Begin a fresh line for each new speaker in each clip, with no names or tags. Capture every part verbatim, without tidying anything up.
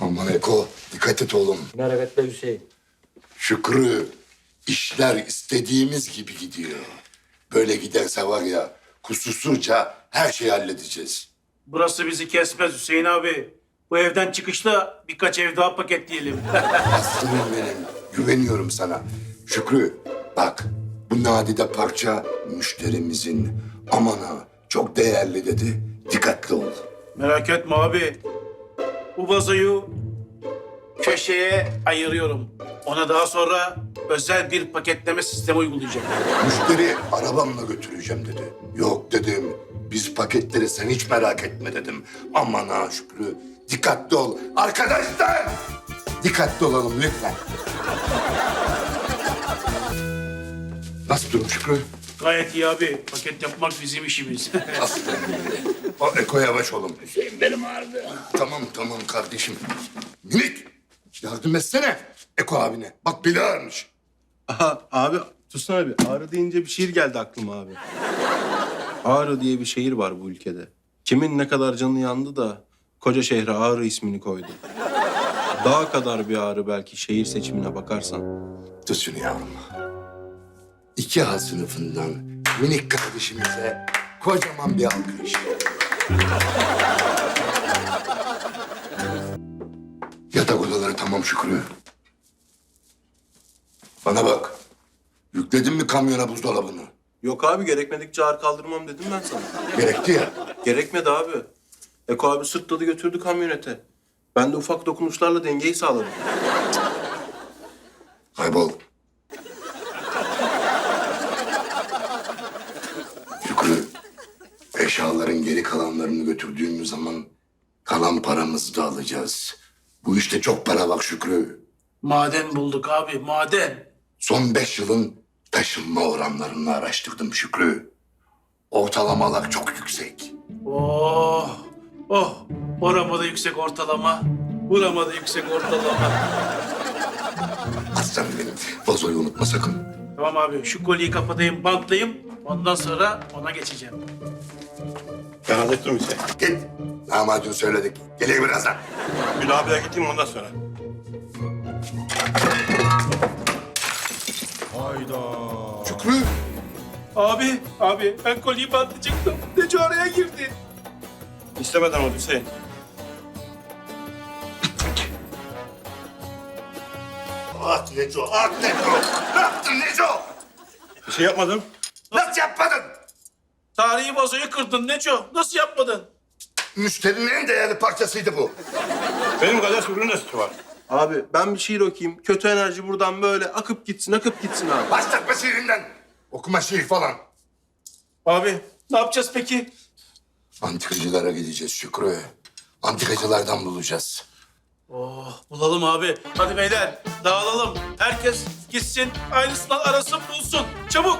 Aman Eko, dikkat et oğlum.
Merak etme Hüseyin.
Şükrü, işler istediğimiz gibi gidiyor. Böyle giderse var ya, kusursuzca her şeyi halledeceğiz.
Burası bizi kesmez Hüseyin abi. Bu evden çıkışta birkaç ev daha paketleyelim.
Aslanım benim, güveniyorum sana. Şükrü, bak bu nadide parça müşterimizin. Aman ha, çok değerli dedi. Dikkatli ol.
Merak etme abi. Bu vazoyu köşeye ayırıyorum. Ona daha sonra özel bir paketleme sistemi uygulayacağım.
Müşteri arabamla götüreceğim dedi. Yok dedim, biz paketleri sen hiç merak etme dedim. Aman ha Şükrü, dikkatli ol. Arkadaşlar, dikkatli olalım lütfen. Nasıl durum Şükrü?
Gayet iyi abi. Paket yapmak bizim işimiz.
Aslanım. O Eko yavaş oğlum.
Hüseyin benim ağrıdı.
Tamam tamam kardeşim. Minik, yardım etsene Eko abine. Bak beli ağrımış.
Aha, abi tutsana abi. Ağrı deyince bir şiir geldi aklıma abi. Ağrı diye bir şehir var bu ülkede. Kimin ne kadar canı yandı da koca şehre Ağrı ismini koydu. Dağ kadar bir ağrı belki şehir seçimine bakarsan.
Tut şunu yavrum. İki A sınıfından minik kardeşimize kocaman bir alkış. Yatak odaları tamam Şükrü. Bana bak. Yükledin mi kamyona buzdolabını?
Yok abi, gerekmedikçe ağır kaldırmam dedim ben sana.
Gerekti ya.
Gerekmedi abi. Eko abi sırtladı götürdü kamyonete. Ben de ufak dokunuşlarla dengeyi sağladım.
Kaybol. Şükrü, eşyaların geri kalanlarını götürdüğümüz zaman kalan paramızı da alacağız. Bu işte çok para var Şükrü.
Maden bulduk abi, maden.
Son beş yılın taşınma oranlarını araştırdım Şükrü. Ortalamalar çok yüksek.
Oh, oh. Oramada yüksek ortalama. Buramada yüksek ortalama.
Aslanım benim, vazoyu unutma sakın.
Tamam abi, şu kolyeyi kapatayım, bantlayayım. Ondan sonra ona geçeceğim.
Ben hallettim Hüseyin.
Git. Lahmacun söyledik. Gelir birazdan.
Gül abiye gideyim ondan sonra.
Şükrü.
Abi, abi ben kolyeyi bantlayacaktım. Neco araya girdi.
İstemeden oldu Hüseyin.
At Neco, at Neco. Ne yaptın Neco?
Bir şey yapmadım.
Nasıl yapmadın?
Tarihi vazoyu kırdın Neco. Nasıl yapmadın?
Müşterinin en değerli parçasıydı bu.
Benim kadar sürünün de suçu var.
Abi ben bir şiir okuyayım. Kötü enerji buradan böyle akıp gitsin, akıp gitsin abi.
Başlatma şiirinden. Okuma şiir falan.
Abi ne yapacağız peki?
Antikacılara gideceğiz Şükrü. Antikacılardan bulacağız.
Oh bulalım abi. Hadi beyler dağılalım. Herkes gitsin aynısından arasın bulsun. Çabuk.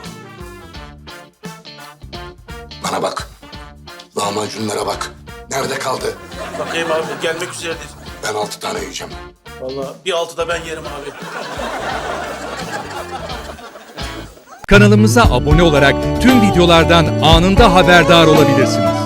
Bana bak. Lahmacunlara bak. Nerede kaldı?
Bakayım abi gelmek üzeredir.
Ben altı tane yiyeceğim.
Vallahi bir altıda ben yerim abi.
Kanalımıza abone olarak tüm videolardan anında haberdar olabilirsiniz.